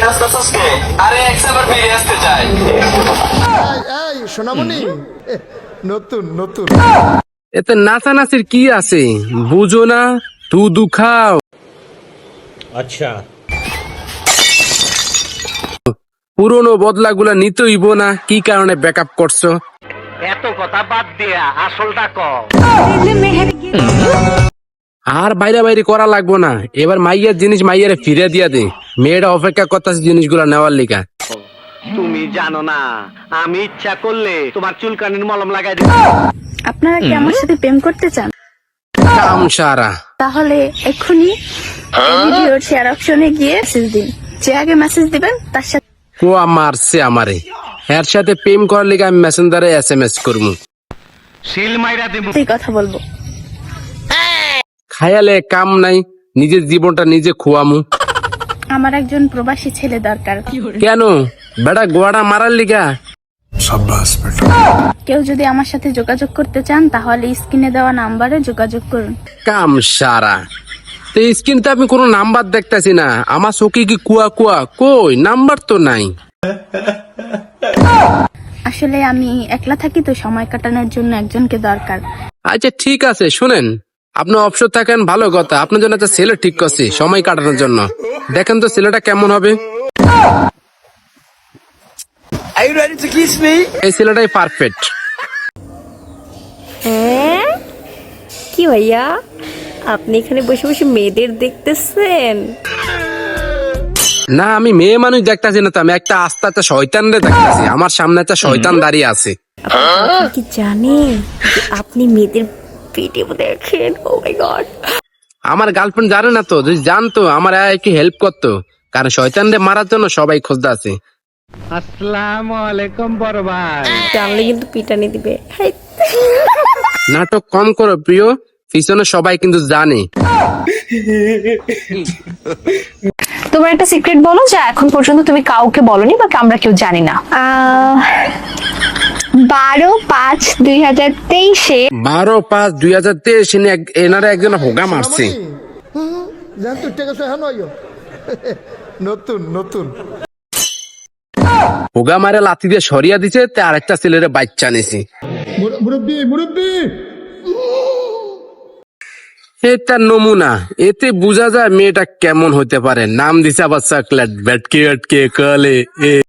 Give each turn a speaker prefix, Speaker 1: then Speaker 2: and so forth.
Speaker 1: আসতেছস কে? আরে একবার ফিরে আসতে চাই।
Speaker 2: এই সোনামণি, নতুন নতুন।
Speaker 3: এতে নাচানাচির কি আছে বুঝো না? তু দুখাও।
Speaker 4: अच्छा
Speaker 3: পুরনো বদলাগুলা নিতেইব না, কি কারণে ব্যাকআপ করছো?
Speaker 4: এত কথা বাদ দিয়া আসলটা কও।
Speaker 3: আর বাইরে বাইরে করা লাগবো না, এবার মাইয়ার জিনিস মাইয়ারে ফিরে দিয়া দে। মেয়েটা অপেক্ষা করতেছে জিনিসগুলা নেওয়ার লিগা।
Speaker 4: তুমি জানো না আমি ইচ্ছা করলে তোমার চুলকানির মলম লাগাই দিব।
Speaker 5: আপনারা কি আমার সাথে প্রেম করতে চান?
Speaker 3: কাম সারা।
Speaker 5: তাহলে এক্ষুনি ভিডিওর শেয়ার অপশনে গিয়ে মেসেজ দিন। যে আগে মেসেজ দিবেন তার সাথে
Speaker 3: কোয়া মারছে আমারে। এর সাথে প্রেম করার লিগা আমি মেসেঞ্জারে SMS করবো।
Speaker 4: সিল মাইরা দেব।
Speaker 5: কথা বলবো।
Speaker 3: খায়ালে কাম নাই, নিজের জীবনটা নিজে খোয়ামু।
Speaker 5: আমার একজন প্রবাসী ছেলে দরকার।
Speaker 3: কেন বেটা গোয়াটা মারার লিগা?
Speaker 5: কেউ যদি আমার সাথে যোগাযোগ করতে চান তাহলে স্ক্রিনে দেওয়া নাম্বারে যোগাযোগ করুন।
Speaker 3: কাম সারা। তো স্ক্রিনতে আমি কোনো নাম্বার দেখতেছি না, আমার চোখে কি কুয়া কুয়া? কই নাম্বার তো নাই।
Speaker 5: আসলে আমি একলা থাকি তো সময় কাটানোর জন্য একজনকে দরকার।
Speaker 3: আচ্ছা ঠিক আছে, শুনেন, আপনি অবসর থাকেন ভালো কথা, আপনার জন্য একটা ছেলে ঠিক করছি সময় কাটানোর জন্য। দেখেন তো ছেলেটা কেমন হবে। এই ছেলেটাই পারফেক্ট।
Speaker 6: হ্যাঁ কি ভাইয়া, আপনি এখানে বসে বসে মেয়েদের দেখতেছেন?
Speaker 3: না আমি মেয়ে মানুষ দেখতেছি না তো, আমি একটা আস্তে একটা শয়তান রে দেখতেছি। আমার সামনে একটা শয়তান দাঁড়িয়ে আছে।
Speaker 6: আপনি কি জানেন যে আপনি মেয়েদের ভিডিও দেখেন? ও মাই গড।
Speaker 3: আমার গার্লফ্রেন্ড জানে না তো, যদি জানতো আমার একটু হেল্প করতো, কারণ শয়তান রে মারার জন্য সবাই খোঁজতে আছে।
Speaker 4: আসসালামু আলাইকুম বড় ভাই।
Speaker 6: জানলে কিন্তু পিটানি দিবে। হাই।
Speaker 3: নাটক কম করো প্রিয়, পিছনে সবাই কিন্তু জানে।
Speaker 7: তোমার একটা সিক্রেট বলো যা এখন পর্যন্ত তুমি কাউকে বলনি বা আমরা কেউ জানি না। 12/5/2023
Speaker 3: 12/5/2023 এনারা একজন হোগা মারছে।
Speaker 2: জান তুই ঠিক আছে, হ্যাঁ নয় নতুন নতুন।
Speaker 3: হোগা মারে লাথি দিয়ে সরিয়া দিছে, তে আরেকটা ছেলের বাচ্চা নিছে।
Speaker 2: মুরব্বি মুরব্বি।
Speaker 3: এটা নমুনা, এতে বোঝা যায় মেয়েটা কেমন হতে পারে। নাম দিছে আবার চকলেট, ব্যাটকে ব্যাটকে কলে।